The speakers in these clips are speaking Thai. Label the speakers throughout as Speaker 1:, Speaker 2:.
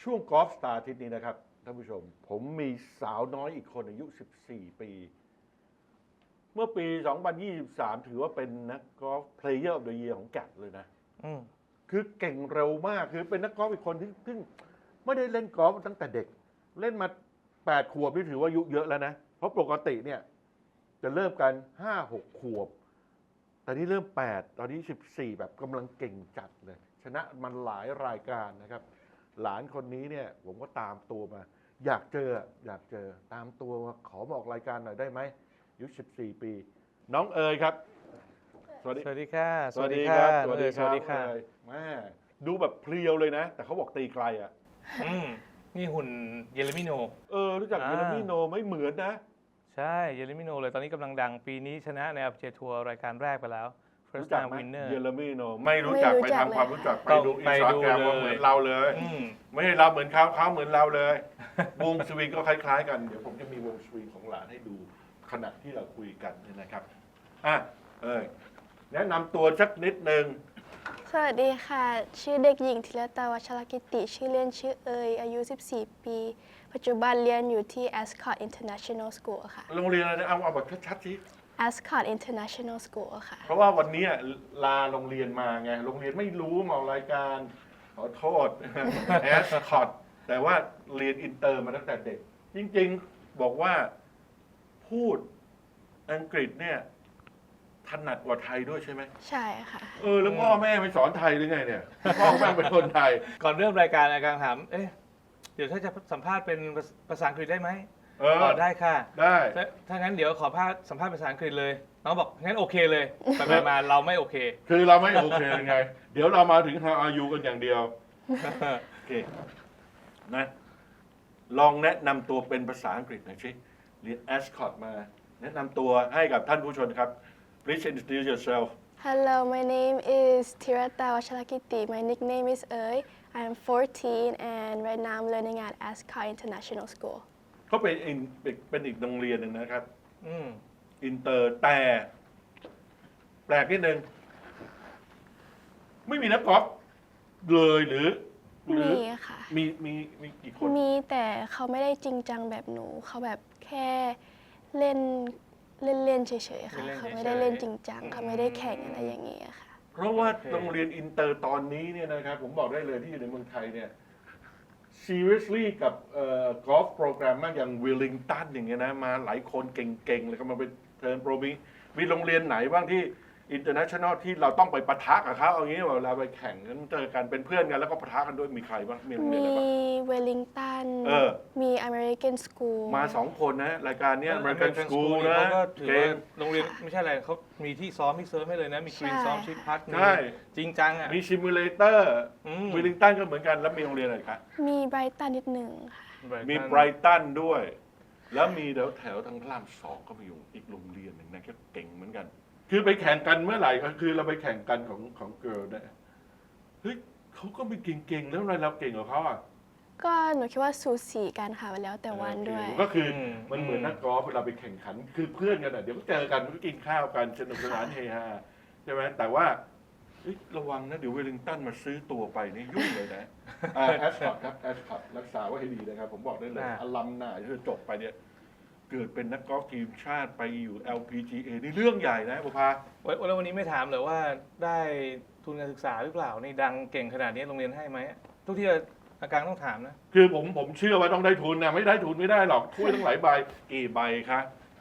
Speaker 1: ช่วงกอล์ฟสตาร์อาทิตย์นี้นะครับท่านผู้ชมผมมีสาวน้อยอีกคนอายุ 14 ปี เมื่อปี 2023 ถือว่าเป็นนักกอล์ฟเพลเยอร์ออฟเดอะเยียร์ของแกดเลยนะคือเก่งเร็วมากคือเป็นนักกอล์ฟอีกคนที่ไม่ได้เล่นกอล์ฟตั้งแต่เด็ก เล่นมา 8 ขวบนี่ถือว่าอายุเยอะแล้วนะ เพราะปกติเนี่ยจะเริ่มกัน 5-6 ขวบ แต่นี่เริ่ม 8 ตอนนี้ 14 แบบกำลังเก่งจัดเลย ชนะมันหลายรายการนะครับ หลานคนนี้เนี่ยผมก็ตามตัวมา อยากเจอตามตัวมาขอมาออกรายการหน่อยได้ไหมอายุ 14 ปี น้องเอ๋ยครับ
Speaker 2: สวัสดีค่ะ
Speaker 1: สวัสดีครับ
Speaker 2: สวัสดีค่ะ
Speaker 1: แม่ดูแบบเพรียวเลยนะ แต่เขาบอกตีไกลอ่ะ
Speaker 2: นี่หุ่นเยเรมิโน
Speaker 1: รู้จักเยเรมิโนไม่เหมือนนะ
Speaker 2: ใช่เยเรมิโนเลยตอนนี้กำลังดังปีนี้ชนะในอัลเจทัวร์รายการแรกไปแล้ว
Speaker 1: รู้
Speaker 2: First
Speaker 1: จัก
Speaker 2: Time
Speaker 1: ไหม
Speaker 2: Winner
Speaker 1: เยเรมิโนไม่รู้จักไปทำความรู้จักไปดูอินสตาแกรมว่าเหมือนเราเลย ไม่ใช่เราเหมือนเขาเหมือนเราเลย วงสวิงก็คล้ายๆกัน เดี๋ยวผมจะมีวงสวิงของหลานให้ดูขณะที่เราคุยกันเนี่ยนะครับแนะนำตัวสักนิดนึง
Speaker 3: สวัสดีค่ะ ชื่อเด็กหญิงธีรตาวัชรกิติ ชื่อเล่นชื่อเอยอายุ 14 ปี ปัจจุบันเรียนอยู่ที่ Ascot International School ค่ะ
Speaker 1: โรงเรียนอะไรนะเอาแบบชัดๆสิ
Speaker 3: Ascot International School ค่ะ
Speaker 1: เพราะว่าวันนี้ลาโรงเรียนมาไง โรงเรียนไม่รู้มาออกรายการ ขอโทษ แอสคอตแต่ว่าเรียนอินเตอร์มาตั้งแต่เด็ก จริงๆบอกว่าพูดอังกฤษเนี่ยถนัดกว่าไทยด้วยใช่ไหม
Speaker 3: ใช่ค่ะ
Speaker 1: แล้วพ่อแม่ไปสอนไทยหรือไงเนี่ยพ่อแม่เป็นคนไทย
Speaker 2: ก่อนเริ่มรายการอาการถามเดี๋ยวถ้าจะสัมภาษณ์เป็นภาษาอังกฤษได้ไหมได้ค่ะ
Speaker 1: ได้
Speaker 2: ถ้างั้นเดี๋ยวขอสัมภาษณ์ภาษาอังกฤษเลยน้องบอกงั้นโอเคเลยไปมาเราไม่โอเค
Speaker 1: คือเราไม่โอเคยังไง เดี๋ยวเรามาถึง How are you กันอย่างเดียวโอเคนะลองแนะนำตัวเป็นภาษาอังกฤษหน่อยสิเรียน Ascot มา แนะนำตัวให้กับท่านผู้ชมครับ Please introduce yourself.
Speaker 3: Hello my name is Tirata Wachalakiti my nickname is Oi I'm 14 and right now I'm learning at Ascot International School
Speaker 1: เขาเป็นอีกโรงเรียนหนึ่งนะครับอินเตอร์แต่แปลกนิดนึงไม่มีนักกอล์ฟเลยหรือ
Speaker 3: มีค่ะ
Speaker 1: มีกี่คน
Speaker 3: มีแต่เขาไม่ได้จริงจังแบบหนู เขาแบบแค่เล่นเฉยๆค่ะ เขาไม่ได้เล่นจริงจัง เขาไม่ได้แข่งอะไรอย่างเงี้ยค่ะ
Speaker 1: เพราะว่าโรงเรียนอินเตอร์ตอนนี้เนี่ยนะครับผมบอกได้เลยที่อยู่ในเมืองไทยเนี่ย seriously กับกอล์ฟโปรแกรมมากอย่างวิลลิงตันอย่างเงี้ยนะมาหลายคนเก่งๆเลยก็มาเป็นเทิร์นโปรมีโรงเรียนไหนบ้างที่ international ที่เราต้องไปปะทะกับเขาเอางี้เวลาไปแข่งกันเจอกันเป็นเพื่อนกันแล้วก็ปะทะกันด้วยมีใครบ้างมีโรงเรียน
Speaker 3: มี
Speaker 1: อะไรบ้าง
Speaker 3: เวลลิงตัน มี American School
Speaker 1: มา2 คนนะรายการเนี้ย American School นะ
Speaker 2: เขาก็ถือ
Speaker 1: เก่
Speaker 2: ว่าง โรงเรียนไม่ใช่อะไรเขามีที่ซ้อมที่เซิร์ฟให้เลยนะ มีกรีน
Speaker 3: ใช่
Speaker 2: ซ้อมชิปพัดมี
Speaker 1: ใช่
Speaker 2: จริงจังอ่ะ
Speaker 1: มีซิมูเลเตอร์
Speaker 2: ม
Speaker 1: วิลลิงตันก็เหมือนกันแล้วมีโรงเรียนอะไรครับ
Speaker 3: มีไบรตันนิดหนึ่งค่ะ
Speaker 1: มีไบรตันด้วย แล้วมีแถวทางพระราม2ก็มีอยู่อีกโรงเรียนหนึ่งนะก็เก่งเหมือนกัน คือไปแข่งกันเมื่อไหร่ก็คือเราไปแข่งกันของเกิร์ลเนี่ยเฮ้ยเขาก็มีเก่งๆแล้วทำไมเราเก่งกว่าเขาอ่ะ
Speaker 3: ก็หนูคิดว่าสูสีกันค่ะแล้วแต่วันด้วย
Speaker 1: ก็คือมันเหมือนนักกอล์ฟเวลาไปแข่งขันคือเพื่อนกันอ่ะเดี๋ยวก็เจอกันก็กินข้าวกันสนุกสนานเฮฮาใช่ไหมแต่ว่าเฮ้ยระวังนะเดี๋ยวเวลลิงตันมาซื้อตัวไปนี่ยุ่งเลยนะแอสคอตครับแอสคอตรักษาไว้ให้ดีนะครับผมบอกได้เลยอลัมนาที่จบไปเนี่ยเกิดเป็นนักกอล์ฟทีมชาติไปอยู่ LPGA นี่เรื่องใหญ่นะบุพา
Speaker 2: แล้ววันนี้ไม่ถามเลยว่าได้ทุนการศึกษาหรือเปล่า นี่ดังเก่งขนาดนี้โรงเรียนให้ไหมทุกที่อาการต้องถามนะ
Speaker 1: คือผมเชื่อว่าต้องได้ทุนนะไม่ได้ทุนไม่ได้หรอกถ้วยตั้งหลายใบกี่ใบคะ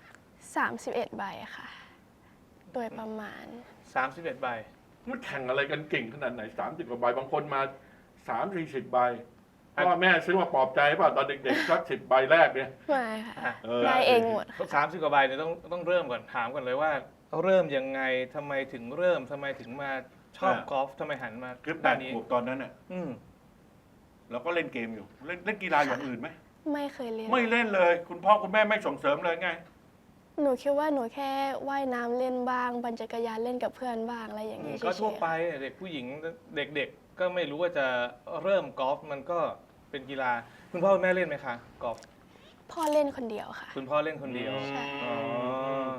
Speaker 3: 31 ใบค่ะ โดยประมาณ
Speaker 2: 31 ใบ
Speaker 1: มันแข่งอะไรกันเก่งขนาดไหน30 กว่าใบบางคนมา30-40 ใบพ่อแม่ซื้อมาปลอบใจป่ะตอนเด็กๆสัก10 ใบแรกเนี่ย
Speaker 3: ไม่ค่ะ
Speaker 1: เออ
Speaker 3: ได้เองหมด
Speaker 2: เขา30 กว่าใบเนี่ยต้องเริ่มก่อนถามก่อนเลยว่าเริ่มยังไงทำไมถึงเริ่มทำไมถึงมาชอบกอล์ฟทำไมหันมา
Speaker 1: คือ
Speaker 2: ด้านนี้
Speaker 1: 8 ขวบตอนนั้นน่ะเราก็เล่นเกมอยู่เล่นกีฬาอย่างอื่นไหม
Speaker 3: ไม่เคยเล่น
Speaker 1: ไม่เล่นเลย คุณพ่อคุณแม่ไม่ส่งเสริมเลยไง
Speaker 3: หนูคิดว่าหนูแค่ว่ายน้ำเล่นบ้างปั่นจักรยานเล่นกับเพื่อนบ้างอะไรอย่างนี้เฉ
Speaker 2: ก็
Speaker 3: ย
Speaker 2: ทั่วไปเด็กผู้หญิงเด็กๆก็ไม่รู้ว่าจะเริ่มกอล์ฟมันก็เป็นกีฬาคุณพ่อคุณแม่เล่นไหมคะกอล์ฟ
Speaker 3: ๆพ่อเล่นคนเดียวค่ะ
Speaker 2: คุณพ่อเล่นคนเดียว
Speaker 3: ใช่
Speaker 2: อ๋อ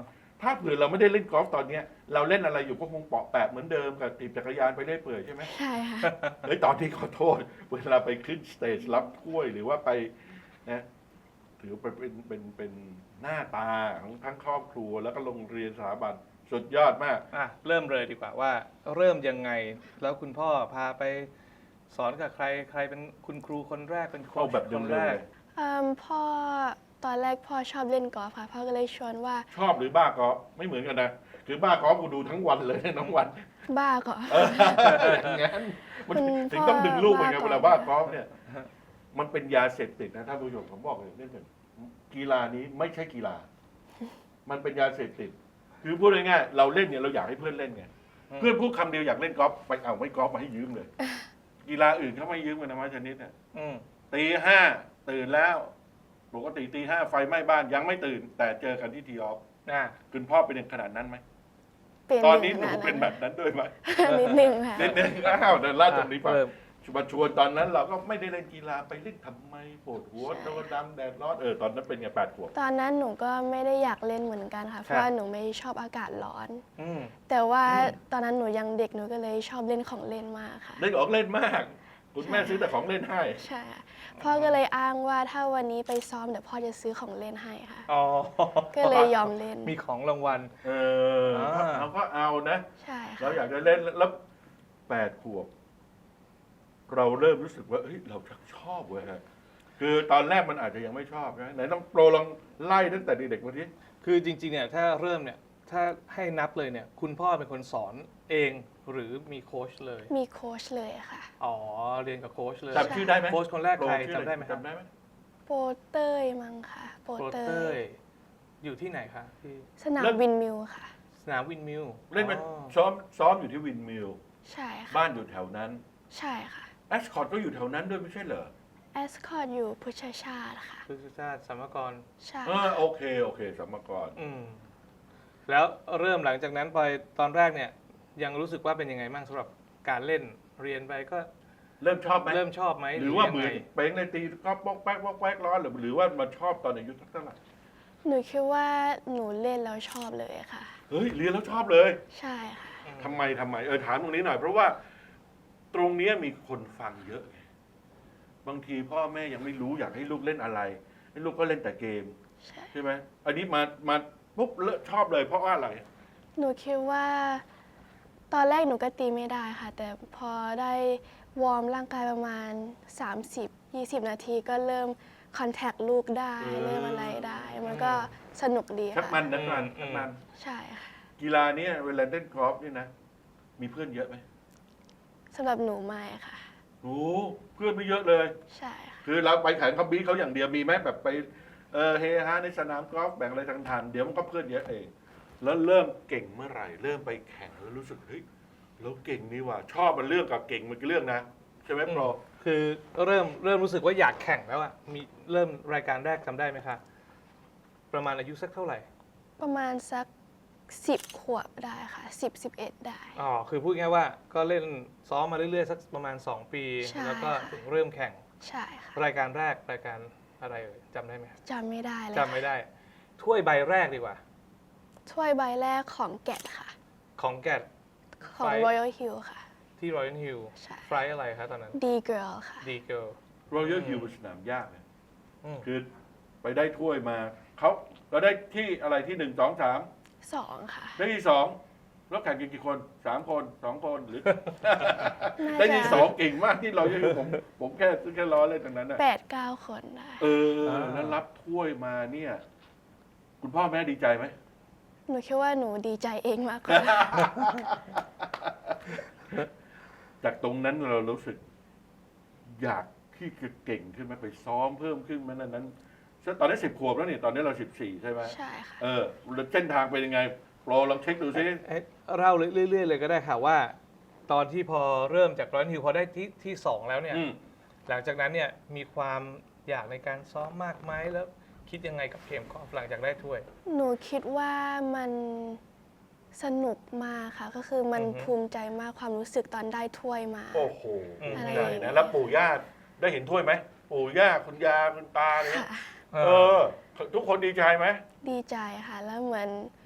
Speaker 1: ถ้าเผื่อเราไม่ได้เล่นกอล์ฟตอนเนี้ยเราเล่นอะไรอยู่ก็คงเปาะแปะเหมือนเดิมกับตีบจักรยานไปเรื่อยเปื่อยใช่ไหม
Speaker 3: ใช่ค่ะ
Speaker 1: เฮ้ยตอนที่ขอโทษ เวลาไปขึ้นสเตจรับถ้วยหรือว่าไปนะถือเป็นหน้าตาของทั้งครอบครัวแล้วก็โรงเรียนสถาบันสุดยอดมาก
Speaker 2: อ่ะเริ่มเลยดีกว่าว่าเริ่มยังไงแล้วคุณพ่อพาไปสอนกับใครใครเป็นคุณครูคนแรกเป็นโค้
Speaker 1: เอา
Speaker 2: ช
Speaker 1: แบบเดิ
Speaker 2: ค
Speaker 1: ม
Speaker 2: น
Speaker 1: เล
Speaker 2: แร
Speaker 1: ย
Speaker 2: ก
Speaker 3: พ่อตอนแรกพ่อชอบเล่นกอล์ฟค่ะพ่อก็เลยชวนว่า
Speaker 1: ชอบหรือบ้ากอล์ฟไม่เหมือนกันนะคือบ้ากอล์ฟกูดูทั้งวันเลยทั้งวัน
Speaker 3: บ้าก่อน
Speaker 1: อย่างนั้นมัน
Speaker 3: คุณ
Speaker 1: ถึงต้องดึงลูกไปไง
Speaker 3: พ่อ
Speaker 1: เวลาบ้ากอล์ฟเนี่ย มันเป็นยาเสพติดนะท่านผู้ชมผมบอกเลยนี่เป็นกีฬานี้ไม่ใช่กีฬา มันเป็นยาเสพติด คือพูดง่ายๆเราเล่นเนี่ยเราอยากให้เพื่อนเล่นไง
Speaker 2: อืม
Speaker 1: เพื่อนพูดคำเดียวอยากเล่นกอล์ฟไปเอาไม่กอล์ฟมาให้ยืมเลย กีฬาอื่นเขาไม่ยืมกันนะมาชนิดเนี่ย
Speaker 2: อืม
Speaker 1: ตีห้าตื่นแล้วปกติตีห้าไฟไหม้บ้านยังไม่ตื่น แต่เจอกันที่ทีออฟ
Speaker 2: อ่ะ
Speaker 1: คุณพ่อเป็นขนาดนั้นไหม
Speaker 3: เป็น
Speaker 1: ตอนนี้หนู
Speaker 3: ย่าง
Speaker 1: เป็นแบบนั้นด้วยไหม
Speaker 3: นิดนึงค่ะ
Speaker 1: นิดนึงอ้าวเดินลาดตรงนี้ไป
Speaker 2: เริ่ม
Speaker 1: มาชวนตอนนั้นเราก็ไม่ได้เล่นกีฬาไปเล่นทำไมปวดหัว
Speaker 3: ใช่
Speaker 1: โดนดำแดดร้อนตอนนั้นเป็นไง8 ขวบ
Speaker 3: ตอนนั้นหนูก็ไม่ได้อยากเล่นเหมือนกันค่ะ เพราะว่าหนูไม่ชอบอากาศร้อน
Speaker 2: อืม
Speaker 3: แต่ว่าตอนนั้นหนูยังเด็กหนูก็เลยชอบเล่นของเล่นมากค่ะ
Speaker 1: เล่นของเล่นมาก คุณแม่ซื้อแต่ของเล่นให้
Speaker 3: ใช่ค่ะพ่อก็เลยอ้างว่าถ้าวันนี้ไปซ้อมเดี๋ยวพ่อจะซื้อของเล่นให้ค่ะ
Speaker 2: อ๋อ
Speaker 3: ก็เลยยอมเล่น
Speaker 2: มีของรางวัล
Speaker 1: เอาก็เอานะ
Speaker 3: ใช่
Speaker 1: เรา
Speaker 3: ค่ะ
Speaker 1: อยากจะเล่นแล้ว8 ขวบ เราเริ่มรู้สึกว่าเฮ้ยเราชักชอบเว้ยฮะคือตอนแรกมันอาจจะยังไม่ชอบนะไหนต้องโปรลองไล่ตั้งแต่เด็กๆมาที
Speaker 2: คือจริงๆเนี่ยถ้าเริ่มเนี่ยถ้าให้นับเลยเนี่ยคุณพ่อเป็นคนสอนเองหรือมีโค้ชเลย
Speaker 3: มีโค้ชเลยค่ะ
Speaker 2: อ๋อเรียนกับโค้ชเลย
Speaker 1: จำชื่อได้ไหม
Speaker 2: โค้ชคนแรกใคร
Speaker 1: โปชื่ออะ
Speaker 2: จำได้ไหมครับ
Speaker 1: จำได้ไหม
Speaker 3: โปเต้ยมั้งค่ะ โป
Speaker 2: โปร
Speaker 3: เต้
Speaker 2: เต้
Speaker 3: ย
Speaker 2: ยอยู่ที่ไหนคะที่
Speaker 3: สนามวินมิวค่ะ
Speaker 2: สนามวินมิว
Speaker 1: เล่นมา
Speaker 2: อ๋อ
Speaker 1: ซ้อมอยู่ที่วินมิล
Speaker 3: ใช่ค่ะ
Speaker 1: บ้านอยู่แถวนั้น
Speaker 3: ใช่ค่ะ
Speaker 1: แอชคอร์ดก็อยู่แถวนั้นด้วยไม่ใช่เหรอ
Speaker 3: แอสคอร์ดอยู่พุทธชาติค่ะ
Speaker 2: พฤกษชาติสัมมกร
Speaker 3: ใช่
Speaker 1: โอเคสัมมกร
Speaker 2: อืมแล้วเริ่มหลังจากนั้นไปตอนแรกเนี่ยยังรู้สึกว่าเป็นยังไงบ้างสำหรับการเล่นเรียนไปก็
Speaker 1: เริ่มชอบไหม
Speaker 2: เริ่มชอบไหม
Speaker 1: หรือว่า
Speaker 2: ยัง
Speaker 1: เหมื
Speaker 2: ไง
Speaker 1: อนเป้งในตีก็ป๊อกแป๊กป๊อกแป๊กร้อนหรือว่ามาชอบตอนอายุเท่าไหร่
Speaker 3: หนูคิดว่าหนูเล่นแล้วชอบเลยค่ะ
Speaker 1: เฮ้ยเรียนแล้วชอบเลย
Speaker 3: ใช่ค่ะ
Speaker 1: ทำไมถามตรงนี้หน่อย เพราะว่าตรงเนี้ยมีคนฟังเยอะไงบางทีพ่อแม่ยังไม่รู้อยากให้ลูกเล่นอะไร ให้ลูกก็เล่นแต่เกม
Speaker 3: ใช่
Speaker 1: ใช่ไหมอันนี้มาปุ๊บชอบเลยเพราะว่าอะไร
Speaker 3: หนูคิดว่าตอนแรกหนูก็ตีไม่ได้ค่ะ แต่พอได้วอร์มร่างกายประมาณ 30-20 นาทีก็เริ่มคอนแทคลูกได้ เริ่มอะไรได้ มันก็สนุกดี
Speaker 1: ชัก
Speaker 3: ค่ะ
Speaker 1: มันชักมัน
Speaker 3: ใช่ค่ะ
Speaker 1: กีฬาเนี้ยเวลาเล่นกอล์ฟนี่นะ มีเพื่อนเยอะไหม
Speaker 3: สำหรับหนูไม่ค่ะ
Speaker 1: โอ้เพื่อนไม่เยอะเลย
Speaker 3: ใช่ค่ะ
Speaker 1: คือเราไปแข่งเขาบีเขาอย่างเดียวมีไหมแบบไปเฮฮาในสนามกอล์ฟแบ่งอะไรทางๆเดี๋ยวมันก็เพื่อนเยอะเอง แล้วเริ่มเก่งเมื่อไหร่ เริ่มไปแข่งแล้วรู้สึกเฮ้ยเราเก่งนี่หว่า ชอบมันเรื่องกับเก่งมันคือเรื่องนะใช่ไหมโปร
Speaker 2: คือเริ่มรู้สึกว่าอยากแข่งแล้วอะมีเริ่มรายการแรกจำได้ไหมคะประมาณอายุสักเท่าไหร่
Speaker 3: ประมาณสัก 10 ขวบได้ค่ะ 10-11 ได้
Speaker 2: อ๋อคือพูดง่ายๆว่าก็เล่นซ้อมมาเรื่อยๆสักประมาณ2 ปี
Speaker 3: ใช่
Speaker 2: แล้วก็
Speaker 3: ค่ะ
Speaker 2: ถึงเริ่มแข่ง
Speaker 3: ใช่ค่ะ
Speaker 2: รายการแรกรายการอะไรเอ่ยจำได้ไหม
Speaker 3: จำไม่ได้เลย
Speaker 2: จำไม่ได้ ถ้วยใบแรกดีกว่า
Speaker 3: ถ้วยใบแรกของแกดค่ะ
Speaker 2: ของแกด
Speaker 3: ของ
Speaker 2: ไฟ
Speaker 3: Royal Hill ค่ะ
Speaker 2: ที่ Royal Hill
Speaker 3: ใช่
Speaker 2: ไฟล์อะไรคะตอนนั้น
Speaker 3: D Girl ค่ะ
Speaker 2: ดีเกิล
Speaker 1: รอยัลฮิลเป็นสนามยากนะ
Speaker 2: อืม
Speaker 1: คือไปได้ถ้วยมาเราได้ที่อะไรที่1 2 3
Speaker 3: 2 ค่ะ
Speaker 1: ได้ที่2แล้วแข่งกันกี่คน3 คน2 คนหรือ
Speaker 3: น่า
Speaker 1: ได้
Speaker 3: จะ
Speaker 1: ที่2เก่งมากที่เราผมแค่ล้อเล่นตรงนั้นนะ
Speaker 3: 8-9 คนได้
Speaker 1: แล้วรับถ้วยมาเนี่ย คุณพ่อแม่ดีใจไหม
Speaker 3: หนูคิดว่าหนูดีใจเองมากกว่า
Speaker 1: จากตรงนั้นเรารู้สึก อยากที่จะเก่งขึ้นไหมไปซ้อมเพิ่มขึ้นไหมนั้นตอนนี้10 ขวบแล้วนี่ตอนนี้เรา14ใช่ไหม
Speaker 3: ใช่ค่ะ
Speaker 1: แล้วเส้นทางเป็นยังไงโปรลองเช็คดูซิ
Speaker 2: เล่าเรื่อยๆเลยก็ได้ค่ะว่า ตอนที่พอเริ่มจาก Royal Hill พอได้ที่2แล้วเนี่ย หลังจากนั้นเนี่ยมีความอยากในการซ้อมมากไหมแล้วคิดยังไงกับเกมกอล์ฟหลังจากได้ถ้วย
Speaker 3: หนูคิดว่ามันสนุกมากค่ะ ก็คือมัน
Speaker 2: อือฮึ
Speaker 3: ภูมิใจมากความรู้สึกตอนได้ถ้วยมา
Speaker 1: โอ้โห
Speaker 3: อะไร
Speaker 1: ใหญ่นะแล้วปู่ย่าได้เห็นถ้วยไหมปู่ย่าคุณยาคุณตาเนี่ย
Speaker 3: ค่ะ
Speaker 1: ทุกคนดีใจไหม
Speaker 3: ดีใจค่ะ แล้วเหมือน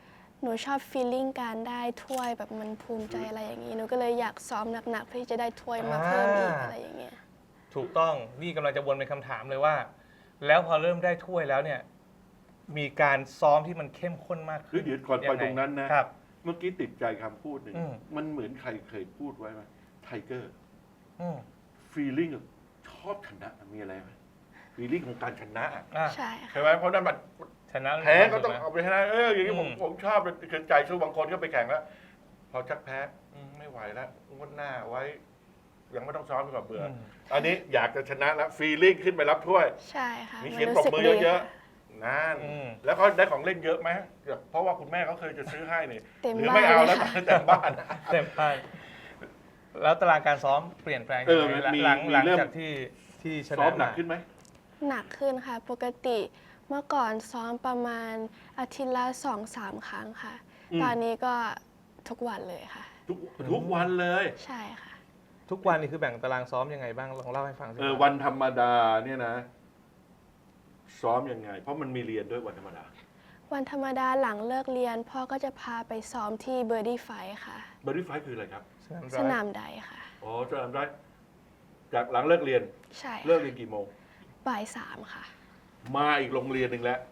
Speaker 3: นูชอบฟีลลิ่งการได้ถ้วยแบบมันภูมิใจอะไรอย่างนี้หนูก็เลยอยากซ้อมหนักๆเพื่อที่จะได้ถ้วยมาเพิ่มอีกอะไรอย่างเงี้ย
Speaker 2: ถูกต้องนี่กำลังจะวนเป็นคำถามเลยว่า แล้วพอเริ่มได้ถ้วยแล้วเนี่ยมีการซ้อมที่มันเข้มข้นมาก
Speaker 1: คือ
Speaker 2: ขึ้น
Speaker 1: เดี๋ยวก่อนไป
Speaker 2: ยังไง
Speaker 1: ตรงนั้นนะ
Speaker 2: ครับ
Speaker 1: เมื่อกี้ติดใจคำพูดหนึ่ง
Speaker 2: อืม
Speaker 1: มันเหมือนใครเคยพูดไว้ไหมไทเกอร์
Speaker 2: อืม
Speaker 1: ฟีลลิ่งชอบชนะมีอะไรไหมฟีลลิ่งของการชนะ
Speaker 2: อ่ะ
Speaker 3: ใช่ค่ะ
Speaker 1: ใช่ไหมเพราะนั้นมัน
Speaker 2: ชนะ
Speaker 1: แพ้ก็ต้อง
Speaker 2: ถูไหม
Speaker 1: เอาไปชนะอย่างนี้ผม
Speaker 2: อืม
Speaker 1: ผมชอบคือใจสู้บางคนก็ไปแข่งแล้ว พอชักแพ้ไม่ไหวแล้วงวดหน้าไว้ ยังไม่ต้องซ้อมไปก่อนเบื่อออันนี้อยากจะชนะแล้วฟีลลิ่งขึ้นไปรับถ้วย
Speaker 3: ใช่ค่ะ
Speaker 1: มี
Speaker 3: น
Speaker 1: เสียง
Speaker 3: รู้
Speaker 1: ปรบ
Speaker 3: สึก
Speaker 1: มือ
Speaker 3: ดี
Speaker 1: เยอะ
Speaker 3: ค่ะ
Speaker 1: ๆนั่นแล้วเขาได้ของเล่นเยอะไหมเพราะว่าคุณแม่เขาเคยจะซื้อให้นี่
Speaker 3: เต็ม
Speaker 1: หรือ
Speaker 3: บ้าน
Speaker 1: ไม่เอา
Speaker 3: เล
Speaker 1: แล้
Speaker 3: ยว ค่ะ
Speaker 1: แต่บ้าน
Speaker 2: เต็มพลาดแล้วตารางการซ้อมเปลี่ยนแปลง
Speaker 1: เออ
Speaker 2: ยังไง
Speaker 1: มี
Speaker 2: หลัง
Speaker 1: มี
Speaker 2: หลัง
Speaker 1: เริ่ม
Speaker 2: จากที่ช
Speaker 1: ซ้อ
Speaker 2: นะ
Speaker 1: มหนักขึ้นไหม
Speaker 3: หนักขึ้นค่ะ ปกติเมื่อก่อนซ้อมประมาณอาทิตย์ละ2-3 ครั้งค่ะ ตอนนี้ก็ทุกวันเลยค่ะ
Speaker 1: ทุกวันเลย
Speaker 3: ใช่ค่ะ
Speaker 2: ทุกวันนี่คือแบ่งตารางซ้อมยังไงบ้างลองเล่าให้ฟังสิครับ
Speaker 1: วันธรรมดาเนี่ยนะ ซ้อมยังไง เพราะมันมีเรียนด้วยวันธรรมดา
Speaker 3: วันธรรมดาหลังเลิกเรียน พ่อก็จะพาไปซ้อมที่เบอร์ดี้ไฟค่ะ
Speaker 1: บริไฟคืออะไรครับ
Speaker 3: สนามใดค่ะ
Speaker 1: อ๋อสนามได้จากหลังเลิกเรียน
Speaker 3: ใช่
Speaker 1: เลิกเรียนกี่โมง
Speaker 3: บ่าย 3ค่ะ
Speaker 1: มาอีกโรงเรียนหนึ่งแล้ว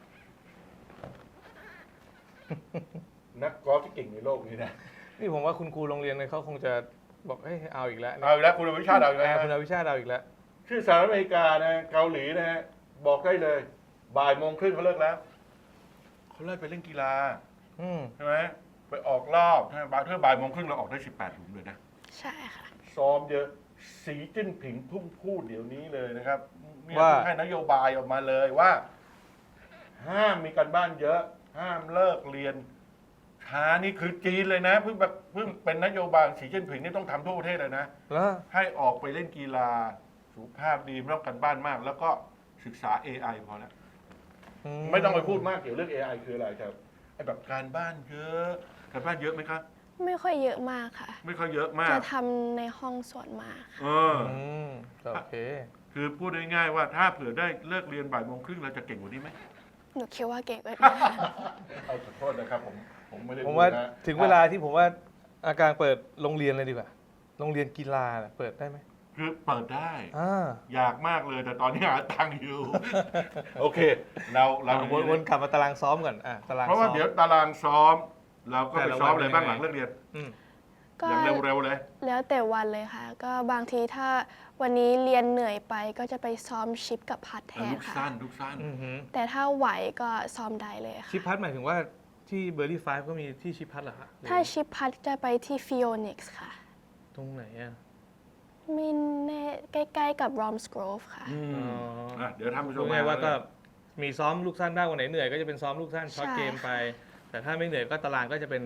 Speaker 1: นักกอล์ฟที่เก่งในโลกนี้นะ
Speaker 2: นี่ผมว่าคุณครูโรงเรียนเนี่ยเขาคงจะบอกเฮ้ยเอาอีกแล้ว
Speaker 1: เอาอีกแล้วคุณอวิชาติเอาอีกแล้ว
Speaker 2: คุณ
Speaker 1: นะ
Speaker 2: อวิชาติเอาอีกแล้ว
Speaker 1: ชื่อสหรัฐอเมริกานะเกาหลีนะฮะบอกได้เลย บ่ายโมงครึ่งเขาเลิกแล้วเขาเลิกไปเล่นกีฬา
Speaker 2: อืม
Speaker 1: ใช่ไหมไปออกรอบใช่ไหมบ่ายโมงครึ่งเราออกได้18 หลุมเลยนะ
Speaker 3: ใช่ค่ะ
Speaker 1: ซ้อมเยอะสีจิ้นผิงพุ่งพูดเดี๋ยวนี้เลยนะครับเนี่ย
Speaker 2: ว่า
Speaker 1: เพิ่งให้นโยบายออกมาเลยว่า ห้ามมีการบ้านเยอะ ห้ามเลิกเรียนช้านี่คือจีนเลยนะเพิ่งเป็นนโยบายสีจิ้นผิงนี่ต้องทำทั่วประเทศเลยนะ
Speaker 2: แล้ว
Speaker 1: ให้ออกไปเล่นกีฬาสุขภาพดีไม่ต้องการบ้านมาก แล้วก็ศึกษา AI พอแล้วไม่ต้องไปพูดมากเกี่ยวเรื่อง AI คืออะไรครับไอ้แบบการบ้านเยอะการบ้านเยอะไหมครับ
Speaker 3: ไม่ค่อยเยอะมากค่ะ
Speaker 1: ไม่ค่อยเยอะมาก
Speaker 3: จะทำในห้องส่วนมากค่ะ
Speaker 1: เออ
Speaker 2: โอเค
Speaker 1: คือพูดง่ายๆว่าถ้าเผื่อได้เลิกเรียนบ่ายโมงครึ่งเราจะเก่งกว่านี้ไหม
Speaker 3: หนูคิดว่าเก่งกว่านี้ค่ะ
Speaker 1: เอาขอโทษนะครับผมไม่ได้
Speaker 2: ผมว่า
Speaker 1: พูดนะ
Speaker 2: ถึงเวลาที่ผมว่าอาการเปิดโรงเรียนเลยดีกว่า โรงเรียนกีฬาน่ะเปิดได้ไหม
Speaker 1: คือเปิดได้
Speaker 2: า
Speaker 1: อยากมากเลยแต่ตอนนี้หาตังค์อยู่ โอเค เรา
Speaker 2: วนกลับมาตารางซ้อมก่อนตาราง
Speaker 1: เพราะว่า
Speaker 2: ซ้อม
Speaker 1: เดี๋ยวตารางซ้อม เราก็
Speaker 2: แต่
Speaker 1: ไป
Speaker 2: ละ
Speaker 1: ซ้อม
Speaker 2: วัน
Speaker 1: อะไรบ้าง
Speaker 2: เป็น
Speaker 1: ห
Speaker 2: ยังไง
Speaker 1: ลังเลิกเรียน
Speaker 2: อืม
Speaker 3: ก็
Speaker 1: อย่างเร็วๆเลย
Speaker 3: แล้วแต่วันเลยค่ะ ก็บางทีถ้าวันนี้เรียนเหนื่อยไปก็จะไปซ้อมชิปกับพัดแทน
Speaker 1: ลูก
Speaker 3: ค่ะ
Speaker 1: สั้นลูกสั้น
Speaker 2: อือหือ
Speaker 3: แต่ถ้าไหวก็ซ้อมได้เลยค่ะ
Speaker 2: ชิปพัดหมายถึงว่าที่เบอร์ดี้ไฟก็มีที่ชิปพัดเหรอฮะ
Speaker 3: ถ้าชิปพัดจะไปที่ฟิโอนิกส์ค่ะ
Speaker 2: ตรงไหนอ่ะ
Speaker 3: มีแน่ใกล้ๆกับรอมสโกรฟค่ะ
Speaker 1: เดี๋ยวทำผู้ช
Speaker 2: รู้
Speaker 1: ม
Speaker 2: ไงว่าก็มีซ้อมลูกสั้นได้วันไหนเหนื่อยก็จะเป็นซ้อมลูกสั้นช็อต
Speaker 3: ใช่
Speaker 2: เกมไป แต่ถ้าไม่เหนื่อยก็ตารางก็จะเป็น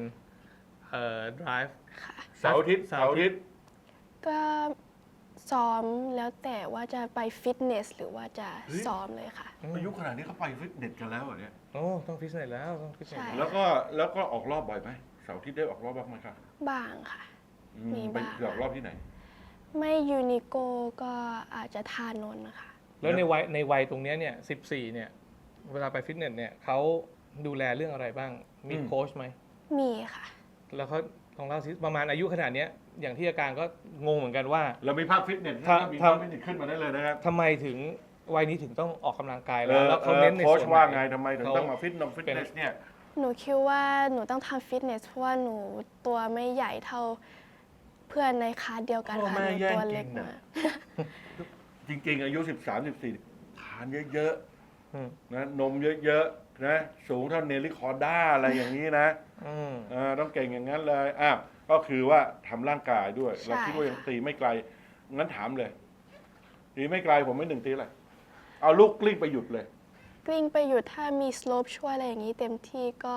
Speaker 2: drive
Speaker 3: ค่ะ
Speaker 1: เสาร์อาทิตย์เสาร์อาทิตย์
Speaker 3: ก็ซ้อมแล้วแต่ว่าจะไปฟิตเนสหรือว่าจะ
Speaker 1: เฮ้ย
Speaker 3: ซ้อมเลยค่ะ
Speaker 1: อายุขนาดนี้เขาไปฟิตเนสกันแล้วเหรอเนี่ย
Speaker 2: โอ้ต้องฟิตเนสแล้วต้องฟิตเนส
Speaker 3: ใช่
Speaker 1: แล้วก็ออกรอบบ่อยไหมเสาร์อาทิตย์ได้ออกรอบบ้างไหมครับ
Speaker 3: บ้างค่ะ มี
Speaker 1: ไป
Speaker 3: บ้าง
Speaker 1: ออกรอบที่ไหน
Speaker 3: ไม่ยูนิโกก็อาจจะทานนท์นะคะ
Speaker 2: แล้วในวัยตรงเนี้ยเนี่ย14เนี่ยเวลาไปฟิตเนสเนี่ยเขาดูแลเรื่องอะไรบ้างมีโค้ชไหม
Speaker 3: มีค่ะ
Speaker 2: แล้วเขาลองเล่าสิประมาณอายุขนาดเนี้ยอย่างที่อาการก็งงเหมือนกันว่า
Speaker 1: เรามีภาพฟิตเนส
Speaker 2: ถ้า
Speaker 1: มีภาพฟิตเนสขึ้นมาได้เลยนะครับ
Speaker 2: ทำไมถึงวัยนี้ถึงต้องออกกำลังกายแล้วเขาเน้นใน
Speaker 1: โค้ช
Speaker 2: ส่วนไหน
Speaker 1: ว่าไงทำไมถึง
Speaker 2: เขา
Speaker 1: ต้องมาฟิตเนสเนี่ย
Speaker 3: หนูคิดว่าหนูต้องทำฟิตเนสเพราะว่าหนูตัวไม่ใหญ่เท่าเพื่อนในคลาสเดียวกัน
Speaker 1: พ่อ
Speaker 3: ค่ะ
Speaker 1: แม่
Speaker 3: หนู
Speaker 1: แย่ง
Speaker 3: ตัว
Speaker 1: กิน
Speaker 3: เล็ก
Speaker 1: น่ะ
Speaker 3: มาก
Speaker 1: จริงๆ อายุ 13-14 ทานเยอะ
Speaker 2: อืม
Speaker 1: ๆนะนมเยอะๆนะสูงเท่าเนลลี่คอร์ด้าอะไรอย่างนี้นะ
Speaker 2: อืม
Speaker 1: ต้องเก่งอย่างนั้นเลยก็คือว่าทำร่างกายด้วย เราคิดว่ายังตีไม่ไกล งั้นถามเลย ตีไม่ไกลผมไม่หนึ่งตีแหละเอาลูกกลิ้งไปหยุดเลย
Speaker 3: กลิ้งไปหยุดถ้ามีสโลปช่วยอะไรอย่างนี้เต็มที่ก็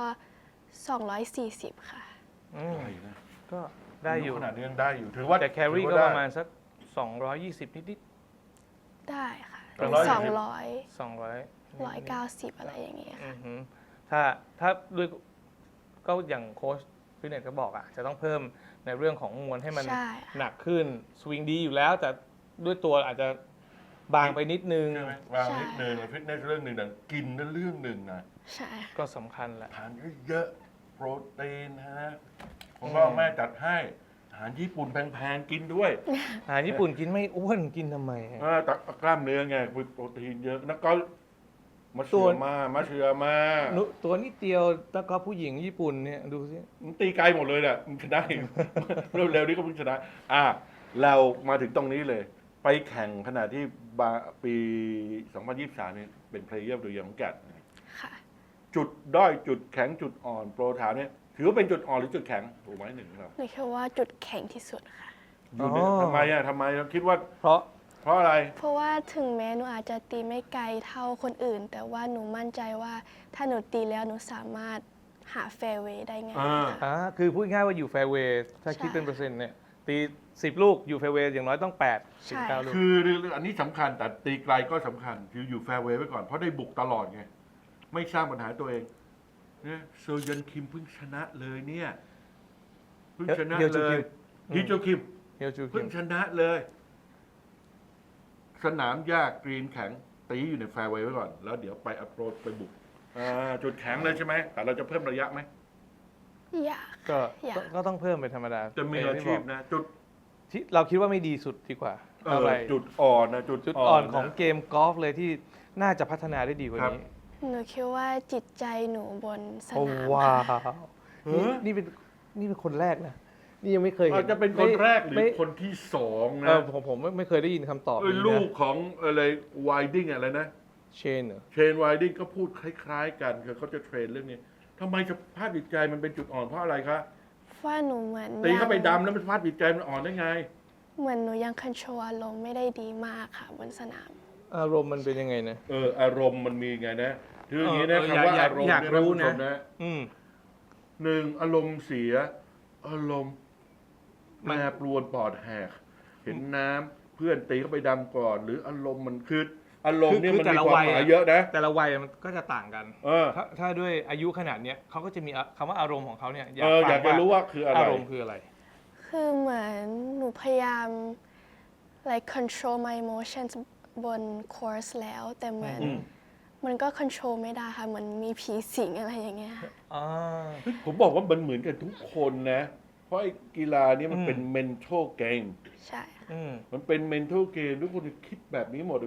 Speaker 3: 240 ค่ะ
Speaker 2: อืม
Speaker 1: ไกลนะ
Speaker 2: ก็ได้อยู่
Speaker 1: ขนาดนี้ยังได้อยู่ ถือว่า
Speaker 2: แต่แครี่
Speaker 1: ถือ
Speaker 2: ก็
Speaker 1: ว่
Speaker 2: ประมาณสัก220นิด
Speaker 3: ได้ค่ะ
Speaker 1: 240
Speaker 2: ๆ200
Speaker 3: 190 อะไรอย่างเงี้ย
Speaker 2: อื
Speaker 3: ค่ะ
Speaker 2: อหือถ้าด้วยก็อย่างโค้ชฟิตเนสก็บอกจะต้องเพิ่มในเรื่องของมวลให้มัน
Speaker 3: ใช่ค่ะ
Speaker 2: หนักขึ้นสวิงดีอยู่แล้ว แต่ด้วยตัวอาจจะบางไปนิดนึง
Speaker 1: ใช่ไหมวางนิดนึงฟิตเนสเรื่องหนึ่งแต่กินนั่นเรื่องหนึ่งนะ
Speaker 3: ใช่
Speaker 2: ก็สำคัญแหละ
Speaker 1: ทานเยอะๆรตีนฮะผมก็แม่จัดให้อาหารญี่ปุ่นแพงๆกินด้วย
Speaker 2: อาหารญี่ปุ่นกินไม่อ้วนกินทำไมฮะ
Speaker 1: แต่กล้ามเนื้อไงมีโปรตีนเยอะแล้วก็มาเชื่อมา
Speaker 2: ตัวนิดเดียวแล้วก็ผู้หญิงญี่ปุ่นเนี่ยดูสิ
Speaker 1: มันตีไกลหมดเลยแหละมันชนะ เร็วๆนี้ก็เพิ่งชนะเรามาถึงตรงนี้เลย ไปแข่งขณะที่ปี 2023เนี่ยเป็นเพลเยอร์ตัวอย่างของแกด
Speaker 3: ค่ะ
Speaker 1: จุดด้อยจุดแข็งจุดอ่อนโปรถามเนี่ยถือว่าเป็นจุดอ่อนหรือจุดแข็งถูกไหมหนึ่งเรา
Speaker 3: หนูคิดว่าจุดแข็งที่สุดค่ะ
Speaker 1: อยู่ในทำไมเราคิดว่า
Speaker 2: เพราะ
Speaker 1: เพราะอะไร
Speaker 3: เพราะว่าถึงแม้หนูอาจจะตีไม่ไกลเท่าคนอื่น แต่ว่าหนูมั่นใจว่าถ้าหนูตีแล้วหนูสามารถหาแฟร์เวย์ได้ง่ายค่ะ
Speaker 2: คือพูดง่ายว่าอยู่แฟร์เวย์ถ้า
Speaker 3: ใช่
Speaker 2: คิดเป็นเปอร์เซ็นต์เนี่ยตี10 ลูกอยู่แฟร์เวย์อย่างน้อยต้อง8ถึง9ลูก
Speaker 1: คืออันนี้สำคัญแต่ตีไกลก็สำคัญคืออยู่แฟร์เวย์ไว้ก่อนเพราะได้บุกตลอดไงไม่สร้างปัญหาตัวเองเนี่ยโซยันคิมเพิ่งชนะเลยเนี่ยเพิ่งชนะ
Speaker 2: เฮียวจู
Speaker 1: เล
Speaker 2: คิ
Speaker 1: ย
Speaker 2: ม
Speaker 1: ฮิโจคิม
Speaker 2: เฮียวจูคิ
Speaker 1: เพิ่ง
Speaker 2: ม
Speaker 1: ชนะเลย สนามหญ้ากรีนแข็งตีอยู่ในแฟร์เวย์ไว้ก่อน แล้วเดี๋ยวไปอัพโรดไปบุกจุดแข็งเลยใช่ไหมแต่เราจะเพิ่มระยะไหม
Speaker 3: อยาก
Speaker 2: ก็
Speaker 3: อยาก
Speaker 2: ก็ต้องเพิ่มเป็นธรรมดา
Speaker 1: จะมีอาชีพนะ จุด
Speaker 2: ที่เราคิดว่าไม่ดีสุดดีกว่าอะไร
Speaker 1: จุดอ่อนนะจุด
Speaker 2: จุดอ่อน
Speaker 1: นะ
Speaker 2: ของเกมกอล์ฟเลยที่น่าจะพัฒนาได้ดีกว่า
Speaker 1: ครับ
Speaker 2: นี้
Speaker 3: หนูคิดว่าจิตใจหนูบนส
Speaker 2: โอ้
Speaker 3: นาม
Speaker 2: ว้า
Speaker 3: ค่ะ
Speaker 2: ว
Speaker 1: เฮ้ย
Speaker 2: นี่เป็นคนแรกนะนี่ยังไม่เคยเห็
Speaker 1: อาจจะเป็นคนแรกหรือ
Speaker 2: ไม่
Speaker 1: คนที่สอง
Speaker 2: เอ
Speaker 1: นะ
Speaker 2: อผมไม่เคยได้ยินคำตอบนี้
Speaker 1: ลูก
Speaker 2: นะ
Speaker 1: ของอะไรไวดิ้งอะไรนะ
Speaker 2: เชนเหรอ
Speaker 1: เชนไวดิ้งก็พูดคล้ายๆกันคือเขาจะเทรนเรื่องนี้ทำไมสภาพจิตใจมันเป็นจุดอ่อนเพราะอะไรคะ
Speaker 3: ว่าหนูเหมือน
Speaker 1: ตีเข้าไป
Speaker 3: ยัง
Speaker 1: ดำแล้วมันสภาพจิตใจมันอ่อนได้ไง
Speaker 3: เหมือนหนูยังคอนโทรลอารมณ์ไม่ได้ดีมากค่ะบนสนาม
Speaker 2: อารมณ์มันเป็นยังไงนะ
Speaker 1: อารมณ์มันมีไงนะคืออย่างนี้นะ
Speaker 2: เออ
Speaker 1: คำว่า
Speaker 2: อยาก
Speaker 1: อารมณ์
Speaker 2: อยาก
Speaker 1: เนี่ย
Speaker 2: รู้
Speaker 1: ท่านผู้ชม
Speaker 2: นะ
Speaker 1: นะ
Speaker 2: อืม
Speaker 1: หนึ่งอารมณ์เสีย อารมณ์
Speaker 2: มั
Speaker 1: แป
Speaker 2: น
Speaker 1: รปรวนปอดแหก เห็นน้ำเพื่อนตีเข้าไปดำก่อน หรืออารมณ์มันคืออารมณ์เนี่ยมันมีความหมายเยอะนะ
Speaker 2: แต่ละวัยมันก็จะต่างกัน
Speaker 1: เออ
Speaker 2: ถ้าด้วยอายุขนาดเนี้ยเขาก็จะมีคำว่าอารมณ์ของเขาเนี่ย
Speaker 1: อยากจะรู้ว่าคืออะไร
Speaker 2: อารมณ์คืออะไร
Speaker 3: คือเหมือนหนูพยายาม like control my emotions บน course แล้ว แต่เหมือน
Speaker 1: อืม
Speaker 3: มันก็ control ไม่ได้ค่ะเหมือนมีผีสิงอะไรอย่างเงี้ยค่ะ
Speaker 2: อ่า
Speaker 1: ผมบอกว่ามันเหมือนกันทุกคนนะ เพราะไอ้กีฬานี้มันเป็น mental game
Speaker 3: ใช่ค่ะ
Speaker 1: มันเป็น mental game ทุกคนจะคิดแบบนี้หมด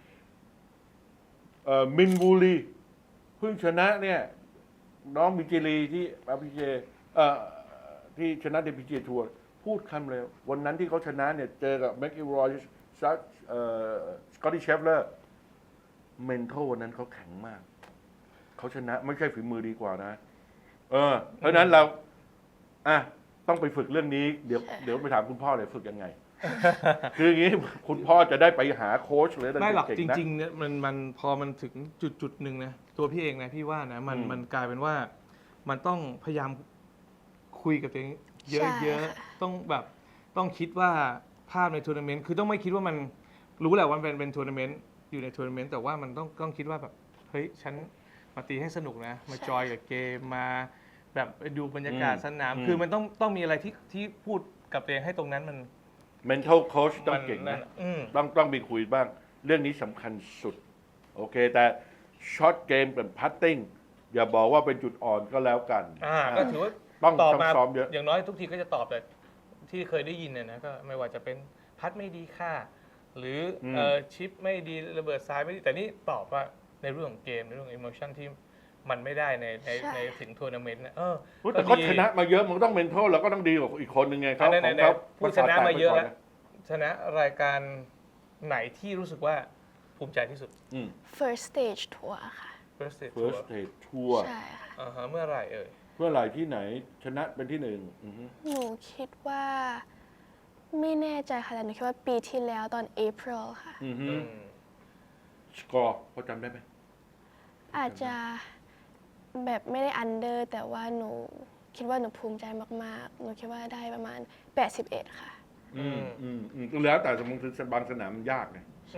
Speaker 1: มินบูรีเพิ่งชนะเนี่ย น้องมินจิลีที่อาพีเจที่ชนะในพีเจทัวร์พูดคำเลย วันนั้นที่เขาชนะเนี่ย เจอกับแม็กอิรอยสกอตตี้เชฟเลอร์เมนทัลวันนั้นเขาแข็งมาก เขาชนะไม่ใช่ฝีมือดีกว่านะ เพราะฉะนั้นเราต้องไปฝึกเรื่องนี้ เดี๋ยวไปถามคุณพ่อเลยฝึกยังไง คืออย่างนี้คุณพ่อจะได้ไปหาโค้ชเลย
Speaker 2: ไม่หรอก
Speaker 1: เก่
Speaker 2: จ
Speaker 1: ๆนะ
Speaker 2: ริงๆเนี่ยมันพอมันถึงจุดหนึ่งนะตัวพี่เองนะพี่ว่านะมันกลายเป็นว่ามันต้องพยายามคุยกับตัวเองเย
Speaker 3: ใช่
Speaker 2: อะ
Speaker 3: ค่ะ
Speaker 2: ๆต้องแบบต้องคิดว่าภาพในทัวร์นาเมนต์คือต้องไม่คิดว่ามันรู้แหละว่าเป็นทัวร์นาเมนต์อยู่ในทัวร์นาเมนต์แต่ว่ามันต้องคิดว่าแบบเฮ้ยฉันมาตีให้สนุกนะมาจอยกับเกมมาแบบดูบรรยากาศสนาม คือมันต้องมีอะไรที่พูดกับตัวเองให้ตรงนั้นมัน
Speaker 1: mental coach ต้องเก่งนะ
Speaker 2: อืม
Speaker 1: ต้องมีคุยบ้าง เรื่องนี้สำคัญสุด โอเค แต่ช็อตเกมเป็นพัตติ้งอย่าบอกว่าเป็นจุดอ่อนก็แล้วกัน
Speaker 2: ก็ถือว่า
Speaker 1: ต้อง
Speaker 2: ตอบมา
Speaker 1: ซ้อมเยอะ
Speaker 2: อย่างน้อยทุกทีก็จะตอบแต่ที่เคยได้ยินเนี่ยนะก็ไม่ว่าจะเป็นพัดไม่ดีค่า หรือชิปไม่ดีระเบิดซ้ายไม่ดีแต่นี่ตอบว่าในเรื่องของเกมในเรื่องของอิโมชันที่มันไม่ได้ในถึงทัวร์นาเมนต์นะ
Speaker 1: แต่เขาชนะมาเยอะมันก็ต้อง mental แล้วก็ต้องดีกว่าอีกคนหนึ่งไงเขา
Speaker 2: ใน
Speaker 1: ของเขา
Speaker 2: ผู้ชนะมาเยอะแล้วชนะรายการไหนที่รู้สึกว่าภูมิใจที่สุด
Speaker 3: first stage tour ค่ะ
Speaker 2: First Stage
Speaker 1: first
Speaker 2: Tour
Speaker 1: stage tour
Speaker 3: ใช่ค่ะ
Speaker 2: เมื่อไหร่เอ่ย
Speaker 1: เพื่อไหร่ที่ไหนชนะเป็นที่หนึ่ง
Speaker 3: หนูคิดว่าไม่แน่ใจค่ะแต่หนูคิดว่าปีที่แล้วตอน April ค่ะ
Speaker 1: สกอร์พอจำได้ไหม
Speaker 3: อาจจะแบบไม่ได้อันเดอร์แต่ว่าหนูคิดว่าหนูภูมิใจมากๆ หนูคิดว่าได้ประมาณ 81 ค่ะ
Speaker 1: แล้วแต่สมมติบางสนามมันยากไง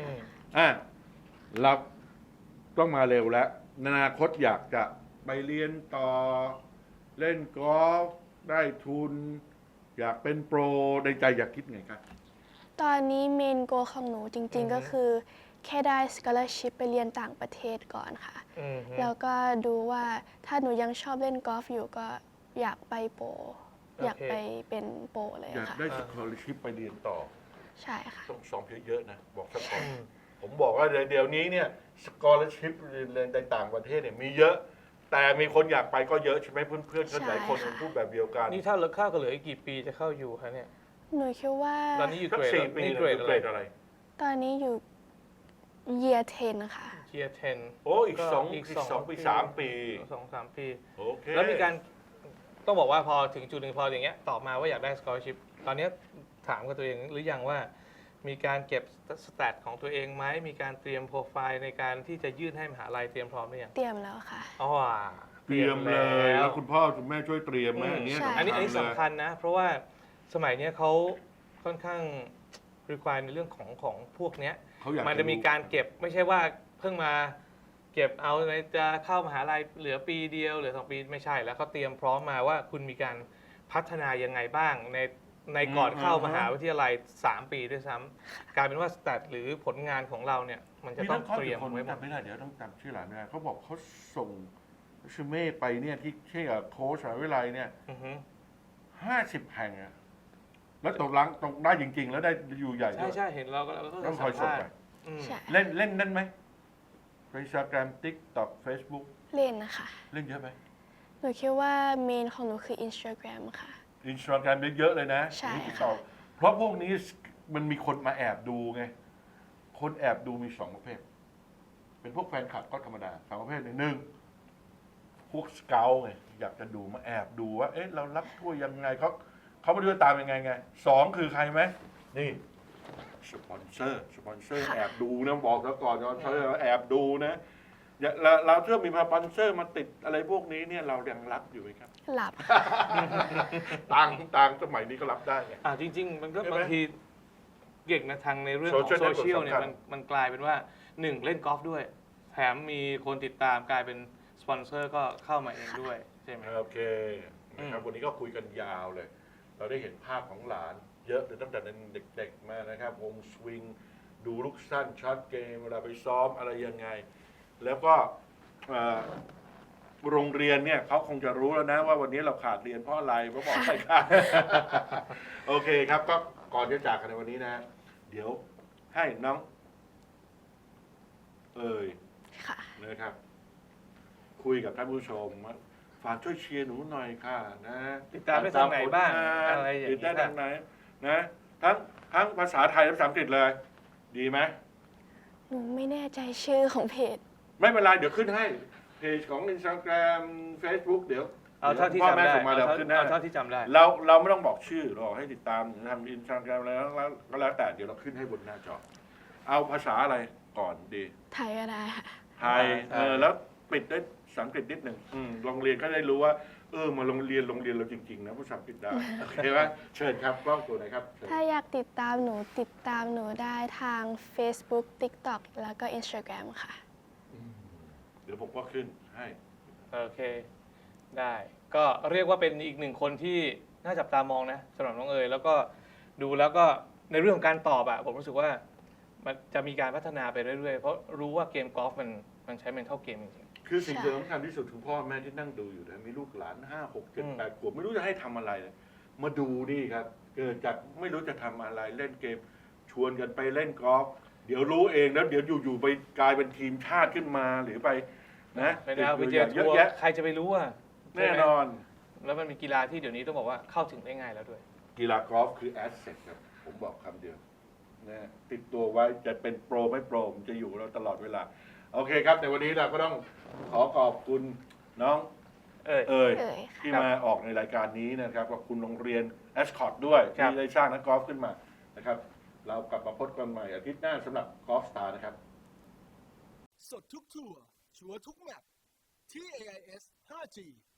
Speaker 1: เราต้องมาเร็วแล้วอนาคตอยากจะไปเรียนต่อเล่นกอล์ฟได้ทุน อยากเป็นโปรในใจอยากคิดไงครับ
Speaker 3: ตอนนี้เมนโกของหนูจริงๆก็คือแค่ได้ scholarship ไปเรียนต่างประเทศก่อนค่ะ แล้วก็ดูว่าถ้าหนูยังชอบเล่นกอล์ฟอยู่ก็อยากไปโปรอยากไปเป็นโปรเลย
Speaker 1: อยาก
Speaker 3: ค่ะ
Speaker 1: ได้สกอร์ชิพไปเรียนต่อ
Speaker 3: ใช่ค่ะ
Speaker 1: ต้องซ้อมเยอะๆนะบอกสักก่อนผมบอกว่าเดี๋ยวนี้เนี่ยสกอร์ชิพเรียนในต่างประเทศเนี่ยมีเยอะ แต่มีคนอยากไปก็เยอะใช่ไหมเพื่อนๆก็หลายคน
Speaker 3: ใช่ค่ะ
Speaker 1: พูดแบบเดียวกัน
Speaker 2: นี่ถ้าเหลือข้าวก็เหลืออีกกี่ปีจะเข้าอยู่คะเนี่ย
Speaker 3: หนูคิดว่า
Speaker 2: ตอนนี้อยู่
Speaker 1: สั
Speaker 2: เก
Speaker 1: ก
Speaker 2: รด
Speaker 1: 4 ปี
Speaker 2: นี่
Speaker 1: นะ
Speaker 2: เกรด
Speaker 1: เกรดอะไร
Speaker 3: ตอนนี้อยู่ year 10 ค่ะ
Speaker 2: เกียร์10
Speaker 1: โอ้อีก
Speaker 2: ก็
Speaker 1: สอง
Speaker 2: อีก
Speaker 1: ปี
Speaker 2: สอง
Speaker 1: 3 ปี
Speaker 2: 2-3 ปี
Speaker 1: โอเค
Speaker 2: แล้วมีการต้องบอกว่าพอถึงจุดหนึ่งพออย่างเงี้ยตอบมาว่าอยากได้ scholarship ตอนเนี้ยถามกับตัวเองหรือยังว่ามีการเก็บสแตทของตัวเองไหมมีการเตรียมโปรไฟล์ในการที่จะยื่นให้มหาลัยเตรียมพร้อมหรือยัง
Speaker 3: เตรียมแล้วค่ะ
Speaker 2: อ๋อ
Speaker 1: เตรียมเลย
Speaker 2: แล้
Speaker 1: แล้ว วคุณพ่อคุณแม่ช่วยเตรียมไหม
Speaker 2: อืม
Speaker 1: อันเนี้ย
Speaker 3: ใช่
Speaker 2: อันนี้
Speaker 1: เลย
Speaker 2: สำคัญนะ เพราะว่าสมัยเนี้ยเขาค่อนข้าง require ในเรื่องของพวกเนี้ย
Speaker 1: เขาอยาก
Speaker 2: มันจะมีการเก็บไม่ใช่ว่าเพิ่งมาเก็บเอาในจะเข้ามหาลัยเหลือปีเดียวเหลือ2 ปีไม่ใช่แล้วเขาเตรียมพร้อมมาว่าคุณมีการพัฒนายังไงบ้างในก่อนเข้ามหาวิทยาลัย3 ปีด้วยซ้ำกลายเป็นว่าสแตทหรือผลงานของเราเนี่ยมันจะ
Speaker 1: มี
Speaker 2: ต้
Speaker 1: ทั้
Speaker 2: อง
Speaker 1: งข้อ
Speaker 2: เตรียม
Speaker 1: คน
Speaker 2: ไว้หมด
Speaker 1: จำไม่ได้เดี๋ยวต้องจำชื่อหลานไม่ได้เขาบอกเขาส่งชูเม่ไปเนี่ยที่เชื่อโค้ชมหาวิทยาลัยเนี่ย
Speaker 2: อือฮึ
Speaker 1: 50 แห่งอะแล้วตกได้จริง ๆ แล้วได้อยู่ใหญ่ด้
Speaker 2: ใช่
Speaker 1: วย
Speaker 2: ใช่เห็นเราก็
Speaker 1: ต้องคอยส่งไป
Speaker 2: อืม
Speaker 3: ใช่
Speaker 1: เล่นนั่นไหม Instagram TikTok Facebook
Speaker 3: เล่นนะคะ
Speaker 1: เล่นเยอะไหม
Speaker 3: หนูคิดว่าเมนของหนูคือ Instagram ค่ะ
Speaker 1: Instagram เยอะเลยนะ
Speaker 3: ใช่ค่ะ
Speaker 1: TikTok เพราะพวกนี้มันมีคนมาแอบดูไง คนแอบดูมี2 ประเภท เป็นพวกแฟนคลับก็ธรรมดา2 ประเภทหนึ่งพวกสเกลไงอยากจะดูมาแอบดูว่าเอ๊ะเรารับถ้วยยังไงเขามาดูตามยังไง2 คือใครไหมนี่สปอนเซอร์แอบดูนะบอกแล้วก่อนสปอนเซอร์แอบดูนะอย่าเราถ้ามีสปอนเซอร์มาติดอะไรพวกนี้เนี่ยเรายังรับอยู่ไหมครับ
Speaker 3: หลับ
Speaker 1: ต่างสมัยนี้ก็รับได้ไง
Speaker 2: จริง ๆ มันก็
Speaker 1: ใช่ไหม
Speaker 2: บางทีเก่งนะทางในเรื่องของ
Speaker 1: Social
Speaker 2: โซเชียล
Speaker 1: network
Speaker 2: เนี่ย
Speaker 1: สำคัญ
Speaker 2: มันกลายเป็นว่า 1 เล่นกอล์ฟด้วย แถมมีคนติดตามกลายเป็นสปอนเซอร์ก็เข้ามาเองด้วยใช่ไหม
Speaker 1: โอเคนะครับวันนี้ก็คุยกันยาวเลย เราได้เห็นภาพของหลาน เยอะเลยตั้งแต่เด็กๆมานะครับวงสวิงดูลูกสั้นช็อตเกมเวลาไปซ้อมอะไรยังไง แล้วก็โรงเรียนเนี่ยเขาคงจะรู้แล้วนะว่าวันนี้เราขาดเรียนเพราะอะไรเพราะบอกไม่ขาด โอเคครับก็ก่อนจะจากกันในวันนี้นะ เดี๋ยวให้น้อง
Speaker 3: ค่ะ
Speaker 1: นะครับ คุยกับท่านผู้ชมว่าฝากช่วยเชียร์หนูหน่อยค่ะนะ
Speaker 2: ติดตามได้ทางไหนบ้าง
Speaker 1: ผลน
Speaker 2: อะไรอย่างนี้
Speaker 1: ติดได้ทางไหนนะทั้งภาษาไทยและภาษาอังกฤษเลย ดีไหม
Speaker 3: หนูไม่แน่ใจชื่อของเพจ
Speaker 1: ไม่เป็นไรเดี๋ยวขึ้นให้เพจของ Instagram Facebook เดี๋ยว
Speaker 2: เอาเท่าที่
Speaker 1: พ่อ
Speaker 2: จำ
Speaker 1: แม่
Speaker 2: ได้
Speaker 1: ส่งมาเดี๋ยวขึ้นให้
Speaker 2: เอาเท่าที่จำได้
Speaker 1: เราไม่ต้องบอกชื่อเราให้ติดตามทาง Instagram แล้วก็แล้วแต่เดี๋ยวเราขึ้นให้บนหน้าจอ เอาภาษาอะไรก่อนดี
Speaker 3: ไทยก็ได้ค่ะ
Speaker 1: ไทยแล้วปิดด้วยภาษาอังกฤษนิดหนึ่งโรงเรียนก็ได้รู้ว่ามาโรงเรียนเราจริงๆนะภาษาอังกฤษได้โอเคไหมเชิญครับกล้องตัวไหนครับเชิญ
Speaker 3: ถ้าอยากติดตามหนูได้ทาง Facebook TikTok แล้วก็ Instagram ค่ะ
Speaker 1: เดี๋ยวผมก็ขึ้นให้
Speaker 2: โอเค ได้ก็เรียกว่าเป็นอีกหนึ่งคนที่น่าจับตามองนะสำหรับน้องเอ๋ยแล้วก็ดูแล้วก็ในเรื่องของการตอบอะผมรู้สึกว่ามันจะมีการพัฒนาไปเรื่อยๆ เพราะรู้ว่าเกมกอล์ฟมันใช้ mental game จริง
Speaker 1: คือสิ่ง
Speaker 3: ใช่
Speaker 1: ที่สำคัญที่สุดคือพ่อแม่ที่นั่งดูอยู่นะมีลูกหลาน5 6 7 8 ขวบไม่รู้จะให้ทำอะไรเลยมาดูนี่ครับเกิดจากไม่รู้จะทำอะไรเล่นเกม ชวนกันไปเล่นกอล์ฟเดี๋ยวรู้เองแล้วเดี๋ยวอยู่ๆไปกลายเป็นทีมชาติขึ้นมาหรือไปนะ
Speaker 2: ๆไปแล้วไปเจอ
Speaker 1: เย
Speaker 2: ทั
Speaker 1: อะ
Speaker 2: วร์
Speaker 1: แยะ
Speaker 2: ใครจะไปรู้อ่ะ
Speaker 1: แน่นอน
Speaker 2: แล้วมันมีกีฬาที่เดี๋ยวนี้ต้องบอกว่าเข้าถึงได้ง่ายแล้วด้วย
Speaker 1: กีฬากอล์ฟคือแอสเซทครับผมบอกคำเดียวนะติดตัวไว้จะเป็นโปรไม่โปรมันจะอยู่กับเราตลอดเวลา โอเคครับในวันนี้เราก็ต้องขอขอบคุณน้อง
Speaker 2: เอ้ย
Speaker 1: เอ๋ย
Speaker 3: เอ่ย
Speaker 1: ที่
Speaker 2: ครับ
Speaker 1: มาออกในรายการนี้นะครับขอบคุณโรงเรียนแอสคอตด้วย
Speaker 2: ครับ
Speaker 1: ที่ได้สร้างนักกอล์ฟขึ้นมานะครับ เรากลับมาพบกันใหม่อาทิตย์หน้าสำหรับกอล์ฟสตาร์นะครับ
Speaker 4: สดทุกทัวร์ชัวร์ทุกแมตช์ที่ AIS 5G